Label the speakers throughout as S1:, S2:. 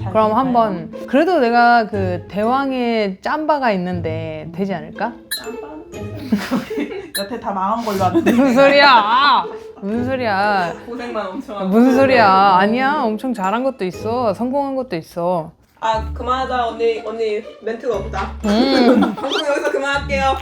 S1: 그럼 한번 그래도 내가 그 대왕의 짬바가 있는데 되지 않을까?
S2: 여태 다 망한 걸로 아는데.
S1: 무슨 소리야? 무슨 소리야?
S3: 고생만 엄청 하고.
S1: 무슨 소리야? 아니야. 엄청 잘한 것도 있어. 성공한 것도 있어.
S3: 아 그만하자 언니 멘트가 없다. 방송 여기서 그만할게요.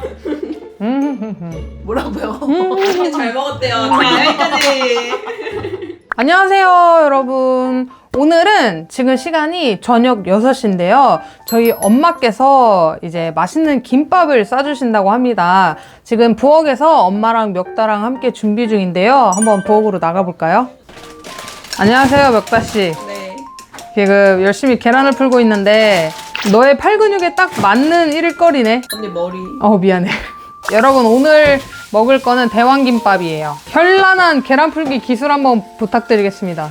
S2: 뭐라고요?
S3: 잘 먹었대요. 자 여기까지.
S1: 안녕하세요, 여러분. 오늘은 지금 시간이 저녁 6시인데요. 저희 엄마께서 이제 맛있는 김밥을 싸주신다고 합니다. 지금 부엌에서 엄마랑 멱다랑 함께 준비 중인데요. 한번 부엌으로 나가볼까요? 안녕하세요, 멱다씨.
S3: 네.
S1: 지금 열심히 계란을 풀고 있는데 너의 팔 근육에 딱 맞는 일거리네.
S3: 언니 머리.
S1: 미안해. 여러분, 오늘 먹을 거는 대왕김밥이에요. 현란한 계란 풀기 기술 한번 부탁드리겠습니다.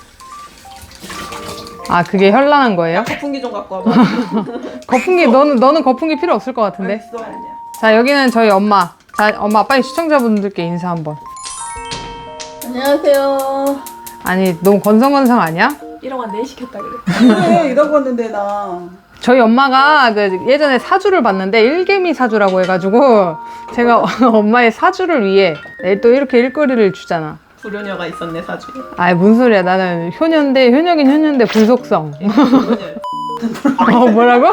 S1: 아, 그게 현란한 거예요?
S3: 거품기 좀 갖고 와봐.
S1: 거품기, 너는 거품기 필요 없을 것 같은데?
S3: 알겠어. 아니야.
S1: 자, 여기는 저희 엄마. 자, 엄마, 빨리 시청자분들께 인사 한번.
S2: 안녕하세요.
S1: 아니, 너무 건성건성 아니야?
S3: 1억 원 내 시켰다 그래.
S2: 그래 이러고 왔는데 나.
S1: 저희 엄마가 그 예전에 사주를 봤는데 일개미 사주라고 해가지고 제가 엄마의 사주를 위해 또 이렇게 일거리를 주잖아.
S3: 불효녀가 있었네 사주에.
S1: 아이, 뭔 소리야. 나는 효녀인데, 효녀긴 효녀인데 불속성. 뭐라고?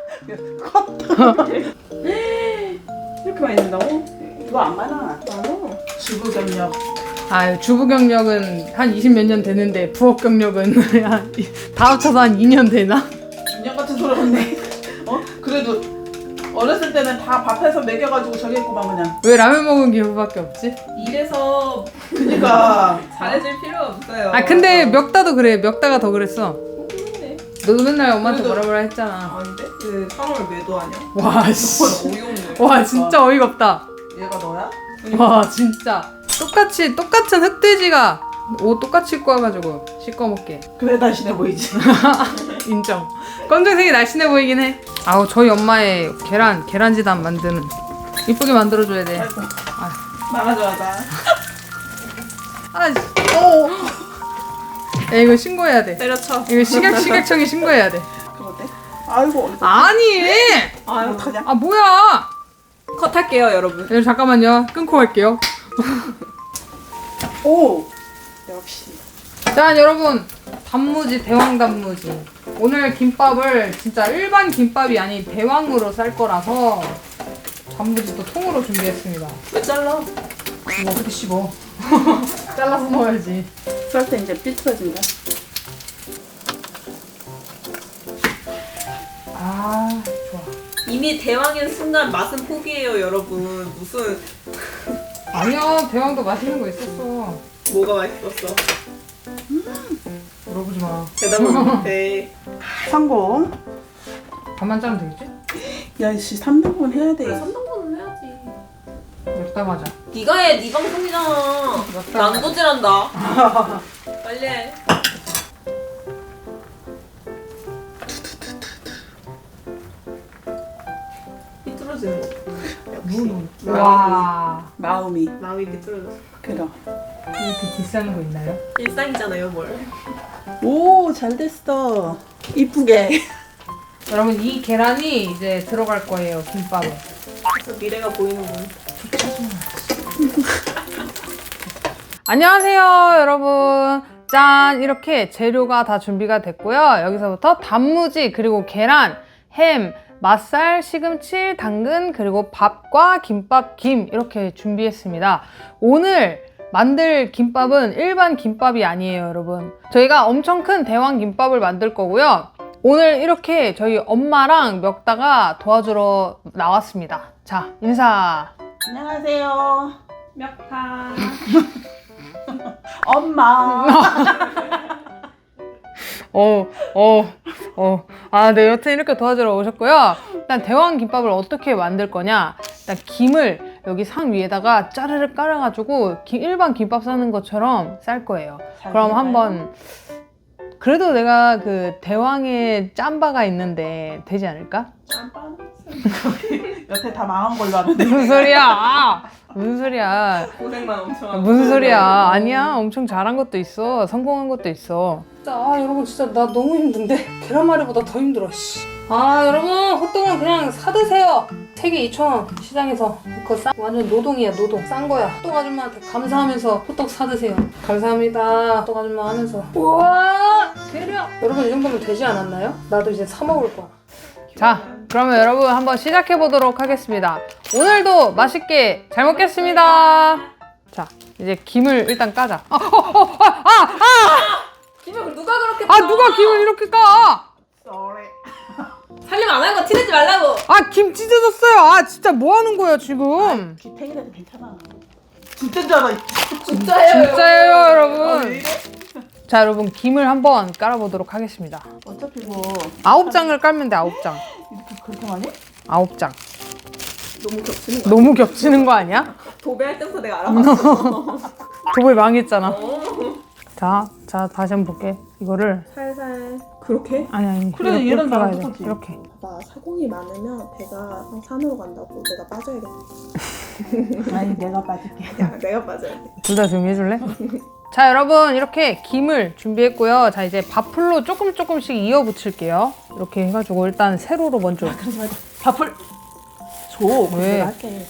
S3: 이렇게 많이 낸다고?
S2: 이거 안 많아.
S3: 많아.
S2: 주부 경력.
S1: 아, 주부 경력은 한 20 몇 년 되는데 부엌 경력은 다 합쳐서 한 2년 되나?
S2: 2년 같은 소리 없네. 그래도 어렸을 때는 다 밥해서 먹여가지고 저기 했구만 그냥.
S1: 왜 라면 먹은 기분밖에 없지?
S3: 이래서
S2: 그니까.
S3: 잘해줄 필요 없어요.
S1: 아, 근데 멱다도 그래. 멱다가 더 그랬어.
S3: 그러네.
S1: 너도 맨날 엄마한테
S2: 그래도-
S1: 뭐라 했잖아.
S3: 아닌데? 그 3월 매도 아니야?
S1: 와, 씨.
S3: 어이없네.
S1: 와, 진짜 어이가 없다.
S2: 얘가 너야?
S1: 와, 진짜. 똑같은 흑돼지가 옷 똑같이 입고 와가지고 씻어먹게.
S2: 그래 날씬해 보이지.
S1: 인정. 검정색이 날씬해 보이긴 해. 아우, 저희 엄마의 계란지단 만드는. 이쁘게 만들어줘야 돼.
S2: 아이고. 나가자마자.
S1: 아, 씨. 야, 이거 신고해야 돼.
S3: 때려쳐.
S1: 이거 식약청에 신고해야 돼.
S2: 그럼 어때? 아이고 어디서?
S1: 아니!
S3: 아유,
S2: 어떡하냐?
S1: 아, 뭐야!
S3: 컷할게요 여러분.
S1: 네, 잠깐만요. 끊고 갈게요.
S2: 오. 역시.
S1: 자, 여러분. 단무지, 대왕 단무지. 오늘 김밥을 진짜 일반 김밥이 아닌 대왕으로 쌀 거라서 단무지도 통으로 준비했습니다.
S3: 왜 잘라?
S1: 이거 어떻게 씹어? 잘라서 넣어야지.
S2: 썰 때 이제 삐뚤어진다.
S1: 아, 좋아.
S3: 이미 대왕인 순간 맛은 포기해요 여러분. 무슨
S1: 아니야, 대왕도 맛있는 거 있었어.
S3: 뭐가 맛있었어?
S1: 물어보지 마.
S3: 대답을 못해.
S2: 성공.
S1: 반만 짜면 되겠지?
S2: 야씨 3등분 해야 돼.
S3: 3등분은 해야지.
S1: 맵다 맞아.
S3: 네가 해. 네 방송이잖아. 난도질한다. 빨리 해. 삐뚤어지는 거.
S1: 와,
S2: 마음이.
S3: 마음이 삐뚤어졌어.
S2: 그럼.
S1: 이렇게 비싼 거 있나요?
S3: 일상이잖아요 뭘.
S2: 오 잘 됐어. 이쁘게.
S1: 여러분, 이 계란이 이제 들어갈 거예요, 김밥에.
S3: 그래서 미래가 보이는군.
S1: 안녕하세요, 여러분. 짠! 이렇게 재료가 다 준비가 됐고요. 여기서부터 단무지, 그리고 계란, 햄, 맛살, 시금치, 당근, 그리고 밥과 김밥, 김 이렇게 준비했습니다. 오늘 만들 김밥은 일반 김밥이 아니에요, 여러분. 저희가 엄청 큰 대왕 김밥을 만들 거고요. 오늘 이렇게 저희 엄마랑 멱다가 도와주러 나왔습니다. 자, 인사.
S2: 안녕하세요.
S3: 멱타.
S2: 엄마.
S1: 네, 여튼 이렇게 도와주러 오셨고요. 일단 대왕 김밥을 어떻게 만들 거냐. 일단 김을 여기 상 위에다가 짜르르 깔아가지고 일반 김밥 싸는 것처럼 쌀 거예요. 그럼 한번 그래도 내가 그 대왕의 짬바가 있는데 되지 않을까?
S2: 짬빵. 여태 다 망한 걸로 아는데.
S1: 무슨 소리야? 무슨 소리야?
S3: 고생만 엄청 하고.
S1: 무슨 소리야? 아니야. 엄청 잘한 것도 있어. 성공한 것도 있어. 여러분 진짜 나 너무 힘든데 계란말이보다 더 힘들어. 여러분 호떡은 그냥 사드세요. 3개 2,000원 시장에서. 그거 완전 노동이야 노동. 싼 거야. 호떡 아줌마한테 감사하면서 호떡 사드세요. 감사합니다. 호떡 아줌마 하면서. 우와 대략. 여러분 이 정도면 되지 않았나요? 나도 이제 사 먹을 거야. 자, 그러면 여러분 한번 시작해 보도록 하겠습니다. 오늘도 맛있게 잘 먹겠습니다. 자, 이제 김을 일단 까자.
S3: 김을 누가 그렇게
S1: 누가 김을 이렇게 까?
S2: Sorry.
S3: 살림 안 하는 거 티내지 말라고.
S1: 김 찢어졌어요. 진짜 뭐 하는 거야 지금?
S2: 기탱이라도 괜찮아. 진짜인 줄 알아.
S3: 진짜예요.
S1: 진짜예요,
S2: 왜
S1: 여러분.
S2: 이래?
S1: 자, 여러분 김을 한번 깔아보도록 하겠습니다.
S2: 어차피 뭐
S1: 9장을 깔면 돼, 9장.
S2: 이렇게 그렇게 많이?
S1: 9장.
S3: 너무 겹치는 거.
S1: 너무 겹치는 거 아니야?
S3: 도배할 때부터 내가 알아봤어.
S1: 도배 망했잖아. 자, 다시 한번 볼게. 이거를
S3: 살살 그렇게?
S1: 아니
S2: 그래,
S1: 이렇게
S2: 얘랑 나랑
S1: 깔아야 돼.
S2: 똑같지.
S1: 이렇게.
S3: 봐 사공이 많으면 배가 산으로 간다고. 내가 빠져야겠다.
S2: 아니 내가 빠질게.
S3: 야 내가 빠져야 돼.
S1: 둘 다 조용히 해줄래? 자, 여러분 이렇게 김을 준비했고요. 자, 이제 밥풀로 조금씩 이어 붙일게요. 이렇게 해가지고 일단 세로로 먼저.
S2: 그러지 말자. 밥을 줘.
S1: 왜?
S2: 내가 할게.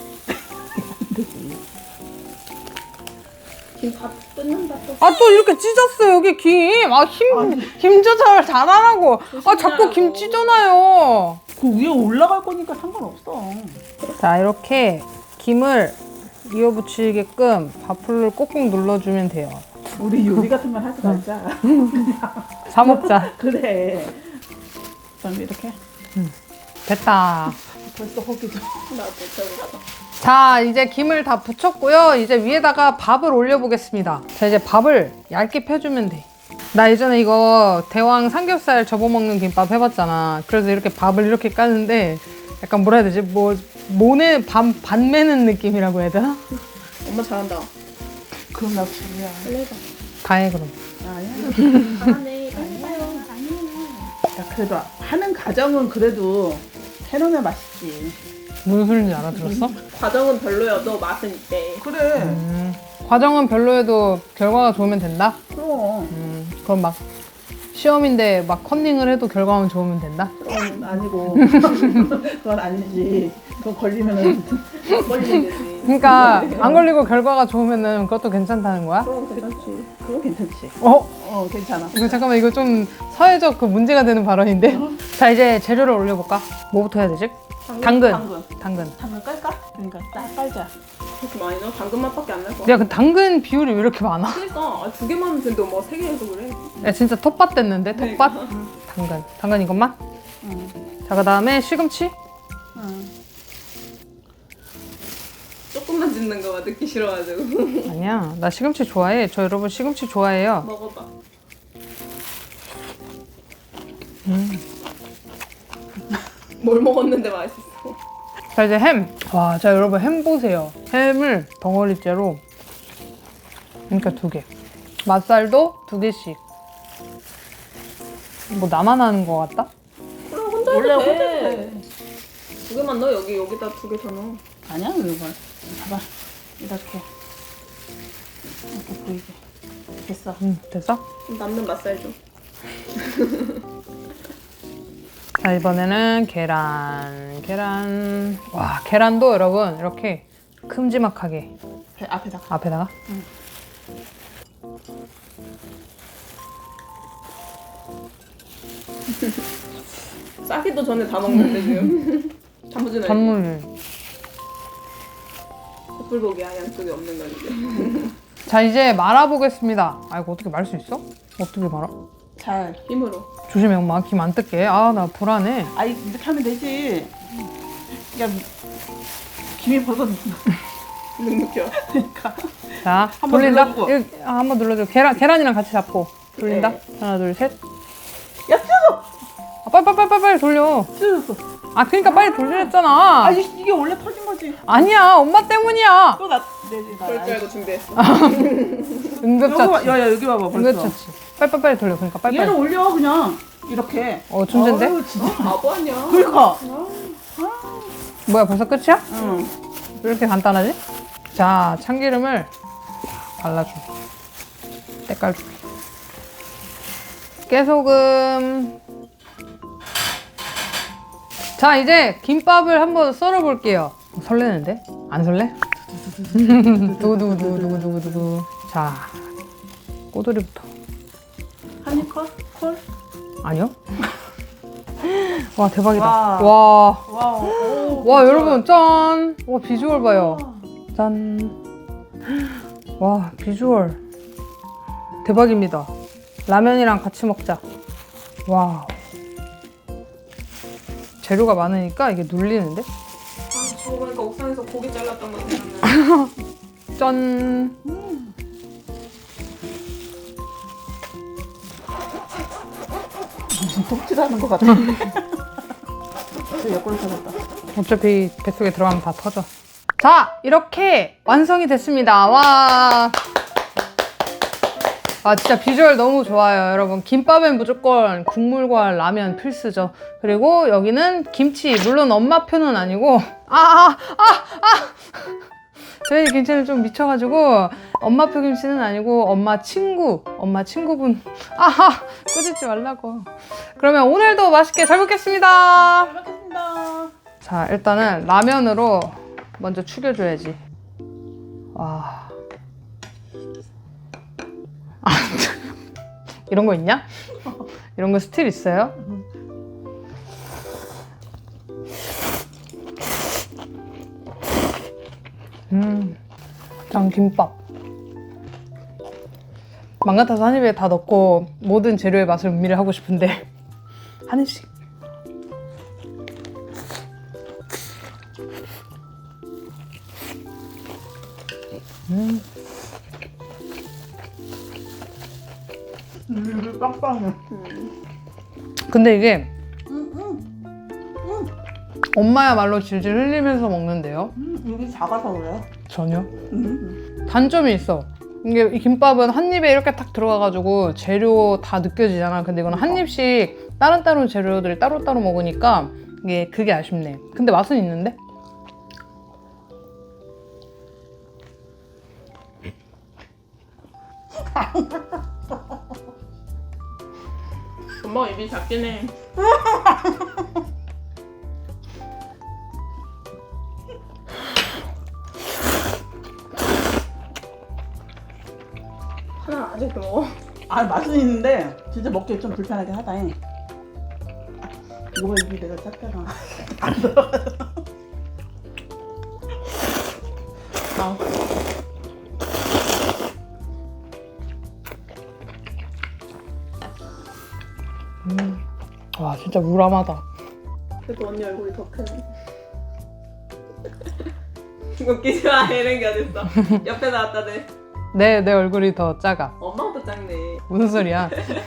S3: 김 다 뜯는다 또.
S1: 또 이렇게 찢었어 여기 김. 김 조절 잘하라고. 자꾸 김 찢어놔요.
S2: 그 위에 올라갈 거니까 상관없어.
S1: 자, 이렇게 김을 이어 붙이게끔 밥풀을 꼭꼭 눌러주면 돼요.
S2: 우리 요리 같은 건 하지 말자.
S1: 사 먹자.
S2: 그래. 그럼 이렇게
S1: 됐다.
S2: 벌써 허기져.
S3: 나도 저기다가.
S1: 자, 이제 김을 다 붙였고요. 이제 위에다가 밥을 올려보겠습니다. 자, 이제 밥을 얇게 펴주면 돼. 나 예전에 이거 대왕 삼겹살 접어먹는 김밥 해봤잖아. 그래서 이렇게 밥을 이렇게 까는데 약간 뭐라 해야 되지? 모네 반 매는 느낌이라고 해야 되나?
S3: 엄마 잘한다.
S2: 그럼 나 불이야.
S3: 빨리 해봐.
S1: 다 해 그럼.
S2: 아니야.
S3: 잘하네. 빨리 해봐요.
S2: 야, 그래도 하는 과정은 그래도 해놓으면 맛있지.
S1: 무슨 소리인지 알아들었어?
S3: 과정은 별로여도 맛은 있대.
S2: 그래.
S1: 과정은 별로여도 결과가 좋으면 된다?
S2: 그럼.
S1: 그럼 막 시험인데 막 컨닝을 해도 결과만 좋으면 된다?
S2: 그건 아니고. 그건 아니지. 그거 걸리면은
S3: 걸리는 거지.
S1: 그러니까 안 걸리고 결과가 좋으면은 그것도 괜찮다는 거야?
S3: 그럼 괜찮지.
S2: 그거 괜찮지. 괜찮아.
S1: 이거 잠깐만, 이거 좀 사회적 그 문제가 되는 발언인데? 자, 이제 재료를 올려볼까? 뭐부터 해야 되지? 당근.
S2: 당근 깔까? 그러니까 딱 깔자.
S3: 그렇게 많이 넣어? 당근 맛밖에 안 날 거야.
S1: 야, 그 당근 비율이 왜 이렇게 많아?
S3: 그러니까 2개만 하면 되는데 엄마가 3개 해서 그래.
S1: 야, 진짜 텃밭 됐는데? 텃밭? 당근 이것만? 자, 그 다음에 시금치?
S3: 조금만 짓는 거 봐. 듣기 싫어가지고.
S1: 아니야, 나 시금치 좋아해. 저 여러분 시금치 좋아해요.
S3: 먹어봐. 뭘 먹었는데 맛있어.
S1: 자, 이제 햄. 와, 자, 여러분 햄 보세요. 햄을 덩어리째로. 그러니까 2개. 맛살도 2개씩. 뭐 나만 하는 거 같다?
S3: 그래 혼자
S2: 원래
S3: 해도
S2: 혼자
S3: 돼.
S2: 해.
S3: 2개만 넣어. 여기다 2개 더 넣어.
S2: 아니야 이거. 봐봐. 이렇게 보이게. 됐어.
S1: 됐어?
S3: 그럼 남는 맛살 좀.
S1: 자, 이번에는 계란. 와, 계란도 여러분 이렇게 큼지막하게
S2: 앞에다가.
S1: 앞에다가.
S3: 싸기도 전에 다 먹는데 지금. 단무지는
S1: 전물.
S3: 숯불고기야. 양쪽에 없는 건데.
S1: 자, 이제 말아보겠습니다. 이거 어떻게 말 수 있어? 어떻게 말아?
S2: 잘.
S3: 힘으로.
S1: 조심해, 엄마. 김 안 뜯게. 나 불안해.
S2: 이렇게 하면 되지. 야, 김이 벌써
S3: 눅눅혀.
S2: 그러니까.
S1: 자,
S2: 한번
S1: 돌린다.
S2: 눌러주고.
S1: 한번 눌러줘. 계란이랑 같이 잡고 돌린다.
S3: 네.
S1: 하나, 둘, 셋.
S2: 야, 찢어!
S1: 빨리 돌려.
S2: 찢어졌어.
S1: 그러니까 빨리 돌리랬잖아.
S2: 이게 원래 터진 거지.
S1: 아니야, 엄마 때문이야.
S2: 또 내지 나.
S3: 그럴 줄 알고 준비했어.
S1: 응급처치.
S2: 여기 봐봐 벌써.
S1: 응급처치. 빨리 돌려. 그러니까 빨리.
S2: 얘를 올려 그냥 이렇게.
S1: 천재인데?
S2: 어우, 진짜.
S3: 바보 아니야.
S2: 그러니까.
S1: 뭐야, 벌써 끝이야?
S2: 응.
S1: 왜 이렇게 간단하지? 자, 참기름을 발라줘. 때깔 주게. 깨소금. 자, 이제 김밥을 한번 썰어 볼게요. 설레는데? 안 설레? 두구두구두구두구두구. 자, 꼬돌이부터.
S2: 한입 컷? 콜?
S1: 아니요? 와, 대박이다.
S2: 와.
S1: 와.
S2: 와우.
S1: 와, 여러분, 짠! 와, 비주얼 봐요. 짠. 와, 비주얼. 대박입니다. 라면이랑 같이 먹자. 와. 재료가 많으니까 이게 눌리는데?
S3: 저거 보니까 옥상에서 고기 잘랐던 거 생각나.
S1: 짠.
S2: 무슨 톱질하는 것 같아. 저 옆구리 터졌다.
S1: 어차피 뱃속에 들어가면 다 터져. 자, 이렇게 완성이 됐습니다. 와. 아, 진짜 비주얼 너무 좋아요, 여러분. 김밥엔 무조건 국물과 라면 필수죠. 그리고 여기는 김치. 물론 엄마표는 아니고. 저희 김치는 좀 미쳐가지고 엄마표 김치는 아니고 엄마 친구분. 꾸짖지 말라고. 그러면 오늘도 맛있게 잘 먹겠습니다.
S2: 잘 먹겠습니다.
S1: 자, 일단은 라면으로 먼저 축여줘야지. 와. 이런 거 있냐? 이런 거 스틸 있어요? 난 김밥. 맘 같아서 한 입에 다 넣고 모든 재료의 맛을 음미를 하고 싶은데 한 입씩.
S2: 입이 빵빵해.
S1: 근데 이게 엄마야말로 질질 흘리면서 먹는데요?
S2: 입이 작아서 그래요?
S1: 전혀. 단점이 있어. 이게 이 김밥은 한 입에 이렇게 탁 들어가가지고 재료 다 느껴지잖아. 근데 이거는 한 입씩 다른 재료들이 따로따로 먹으니까 그게 아쉽네. 근데 맛은 있는데?
S3: 엄마가 입이 작긴 해. 하나 아직도 먹어.
S2: 아, 맛은 있는데 진짜 먹기 좀 불편하긴 하다. 이거 입이 내가 작잖아. 안 들어가.
S1: 와, 진짜 무람하다.
S3: 그래도 언니 얼굴이 더 크네. 웃기지 마. 이런 게 어딨어. 옆에 나왔다 네.
S1: 내 얼굴이 더 작아.
S3: 엄마보다 작네.
S1: 무슨 소리야?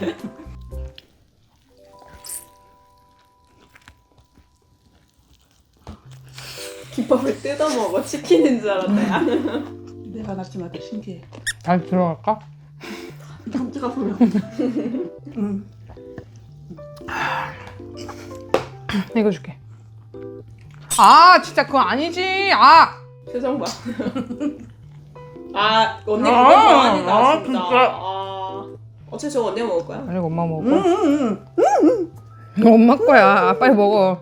S3: 김밥을 뜯어 먹어. 치킨인 줄 알았다. 야.
S2: 내가 낳지만 더 신기해.
S1: 잘 들어갈까?
S2: 깜짝아 소리야.
S1: 이거 줄게. 아, 진짜 그거 아니지. 아!
S3: 표정 봐. 아, 언니 그거 좋아하니다 진짜.
S2: 진짜.
S3: 어차피 저거 언니가 먹을 거야.
S1: 아니, 엄마 먹어. 이거 엄마 거야. 빨리 먹어.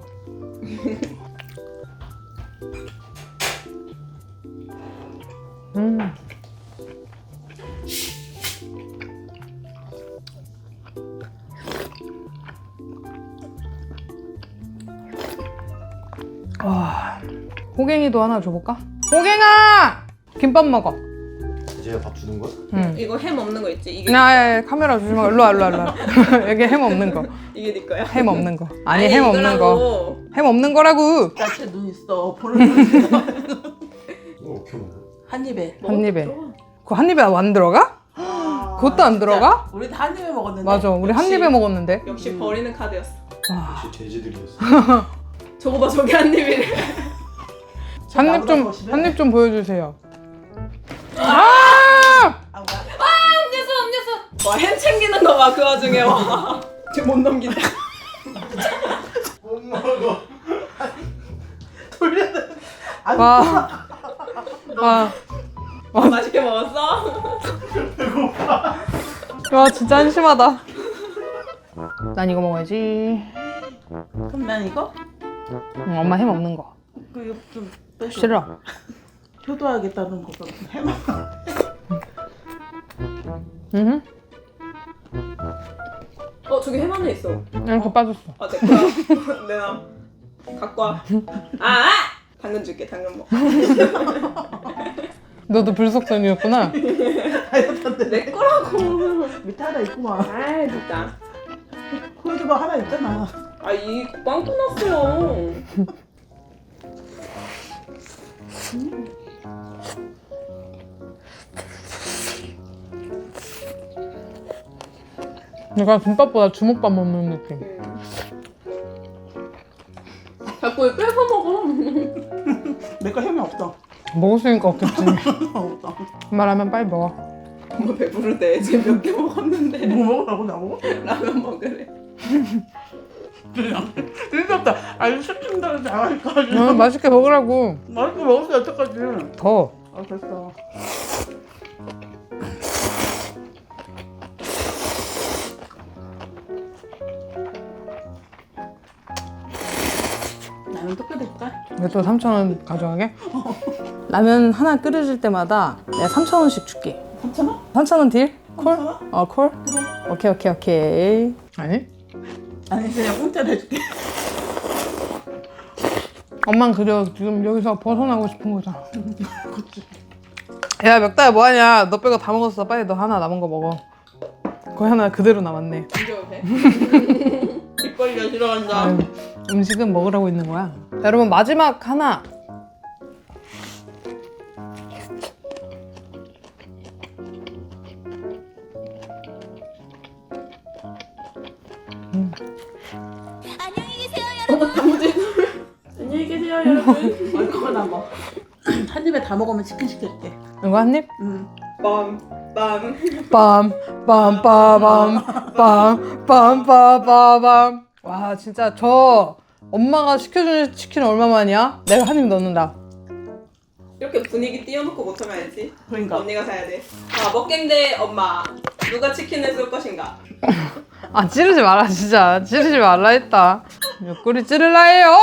S1: 와, 호갱이도 하나 줘볼까? 호갱아! 김밥 먹어.
S4: 이제 밥 주는 거야?
S1: 응.
S3: 이거 햄 없는 거 있지? 이게
S1: 야, 카메라 조심하 일로 와. 여기 햄 없는 거.
S3: 이게 네 거야?
S1: 햄 없는 거. 아니, 햄 없는 거.
S3: 이거라고.
S1: 햄 없는 거라고.
S2: 나체 눈 있어. 보는 눈 있어.
S4: 이거 어떻게 먹어?
S2: 한 입에.
S1: 한 입에.
S3: 들어가.
S1: 그거 한 입에 안 들어가? 그것도 안
S2: 진짜.
S1: 들어가?
S2: 우리 다 한 입에 먹었는데.
S1: 맞아, 우리 한
S3: 역시.
S1: 입에 먹었는데.
S3: 역시 버리는 카드였어.
S1: 와,
S4: 역시 돼지들이었어.
S3: 저거 봐, 저게 한 입이래.
S1: 한 입 좀 보여주세요.
S2: 아, 뭐야?
S3: 음료수.
S5: 와, 햄 챙기는 거 봐, 그 와중에. 와. 지금 못 넘긴다.
S4: 못 먹어.
S2: 돌려야 돼. 안
S1: 와. 와.
S5: 맛있게 먹었어?
S1: 와 진짜 한심하다. 난 이거 먹어야지.
S2: 그럼 난 이거?
S1: 엄마 햄 없는 거.
S2: 그 이거 좀 빼줘.
S1: 싫어.
S2: 효도하겠다는 거가 해봐.
S1: 응.
S5: 저기 햄 하나 있어.
S1: 이렇게 빠졌어.
S5: 아, 내 거야. 내가 갖고 와. 아! 당근 줄게, 당근 먹어.
S1: 너도 불속전이었구나.
S5: 내 거라고.
S2: 밑에 하나 있구만.
S5: 아, 진짜.
S2: 콜드가 하나 있잖아.
S5: 아, 이 빵꾸 났어요.
S1: 내가 김밥보다 주먹밥 먹는 느낌.
S5: 자꾸 왜 뺏어 먹어.
S2: 내 거 햄이 없어.
S1: 먹었으니까 없겠지.
S2: 없어.
S1: 말하면 빨리 먹어.
S5: 엄마 배부르대. 지금 몇 개 먹었는데.
S2: 뭐 먹으라고 나보고?
S5: 라면 먹으래.
S2: 진짜 없다. 아니 시킨다는데 안 하니까.
S1: 맛있게 먹으라고.
S2: 맛있게 먹었어 여태까지.
S1: 더.
S2: 아 됐어. 나는 또 끓일까?
S1: 왜 또 3,000원 가져가게? 라면 하나 끓여줄 때마다 내가 3,000원씩 줄게.
S2: 3,000원?
S1: 3,000원 딜? 콜?
S2: 3,000원?
S1: 콜? 오케이. 아니?
S2: 아니 그냥 공짜로 해줄게.
S1: 엄만 그저 지금 여기서 벗어나고 싶은 거잖아. 야 멱다야 뭐하냐? 너 빼고 다 먹었어. 빨리 너 하나 남은 거 먹어. 거의 하나 그대로 남았네.
S5: 진짜 돼? 입 벌려 싫어한다.
S1: 아유, 음식은 먹으라고 있는 거야. 자, 여러분 마지막 하나.
S5: 안녕히 계세요, 여러분.
S2: 얼마나 남아? 한 입에 다 먹으면 치킨 시킬게.
S1: 이거 한 입?
S5: 빰.
S1: 빰빰빰빰빰빰빰빰빰. 와 진짜 저 엄마가 시켜준 치킨 얼마만이야? 내가 한 입 넣는다.
S5: 이렇게 분위기 띄워놓고 못하면 알지?
S2: 그러니까.
S5: 언니가 사야 돼. 먹갱 대 엄마. 누가 치킨을 쏠 것인가?
S1: 아 찌르지 마라 진짜. 찌르지 말라 했다. 옆구리 찌르라 해요.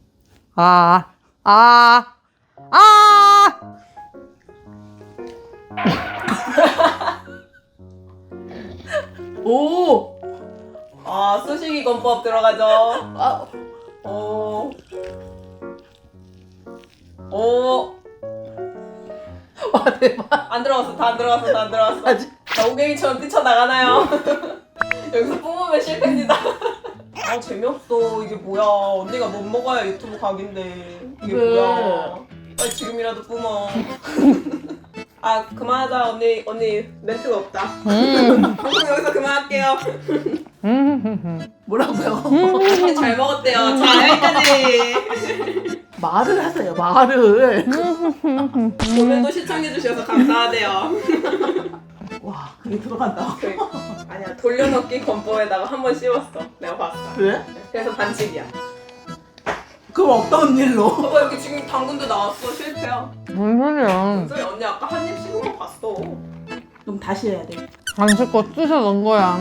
S2: 오.
S5: 수식이 건법 들어가죠. 오.
S2: 와 대박.
S5: 안 들어갔어. 다 안 들어갔어. 자, 오갱이처럼 뛰쳐나가나요? 여기서 뿜으면 실패입니다. 재미없어. 이게 뭐야. 언니가 못 먹어야 유튜브 각인데. 이게
S2: 왜?
S5: 뭐야. 빨리 지금이라도 뿜어. 그만하자. 언니 멘트가 없다. 방송 여기서 그만할게요.
S2: 뭐라고요?
S5: 잘 먹었대요. 자, 여기까지.
S2: 말을 하세요. 말을.
S5: 오늘도 시청해주셔서 감사하대요.
S2: 와 그게 들어간다.
S5: 아니야, 돌려넣기 건법에다가 한 번 씌웠어. 내가 봤어.
S2: 그래?
S5: 그래서 반칙이야.
S2: 그럼 어떤 일로?
S5: 봐봐, 여기 지금 당근도 나왔어. 실패야.
S1: 뭔 소리야?
S5: 소리 언니 아까 한 입 씹은 거 봤어.
S2: 그럼 다시 해야 돼.
S1: 안쓸 거 쑤셔 넣은 거야.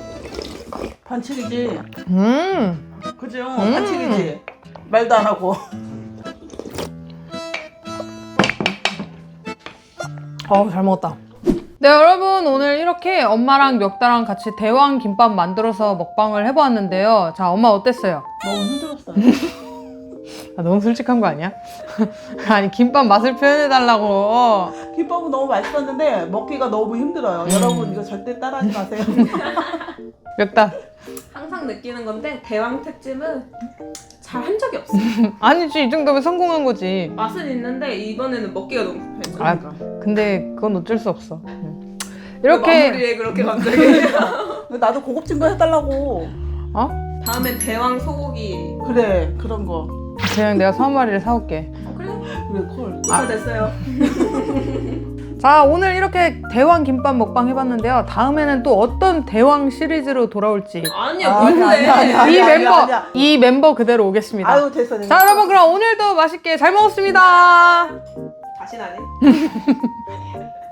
S2: 반칙이지. 그죠?
S1: 음.
S2: 반칙이지. 말도 안 하고.
S1: 잘 먹었다. 네 여러분 오늘 이렇게 엄마랑 멱다랑 같이 대왕 김밥 만들어서 먹방을 해보았는데요. 자 엄마 어땠어요?
S2: 너무 힘들었어요.
S1: 너무 솔직한 거 아니야? 아니 김밥 맛을 표현해달라고.
S2: 김밥은 너무 맛있었는데 먹기가 너무 힘들어요. 여러분 이거 절대 따라하지 마세요.
S1: 멱다.
S5: 항상 느끼는 건데 대왕 특집은 잘 한 적이 없어.
S1: 아니지 이 정도면 성공한 거지.
S5: 맛은 있는데 이번에는 먹기가 너무 불편해.
S1: 아 근데 그건 어쩔 수 없어. 이렇게
S5: 마무리에 그렇게 갑자기.
S2: 나도 고급진 거 해달라고.
S5: 다음엔 대왕 소고기.
S2: 그래 그런 거.
S1: 그냥 내가 3마리를 사올게.
S5: 그래?
S2: 그래 콜.
S5: 다 됐어요.
S1: 자, 오늘 이렇게 대왕 김밥 먹방 해봤는데요. 다음에는 또 어떤 대왕 시리즈로 돌아올지
S5: 아니야
S2: 아니야,
S5: 뭔데?
S2: 아니야, 아니야.
S1: 이 멤버
S2: 아니야.
S1: 이 멤버 그대로 오겠습니다.
S2: 아유 됐어 됐어.
S1: 자, 여러분 그럼 오늘도 맛있게 잘 먹었습니다.
S5: 다시 나네.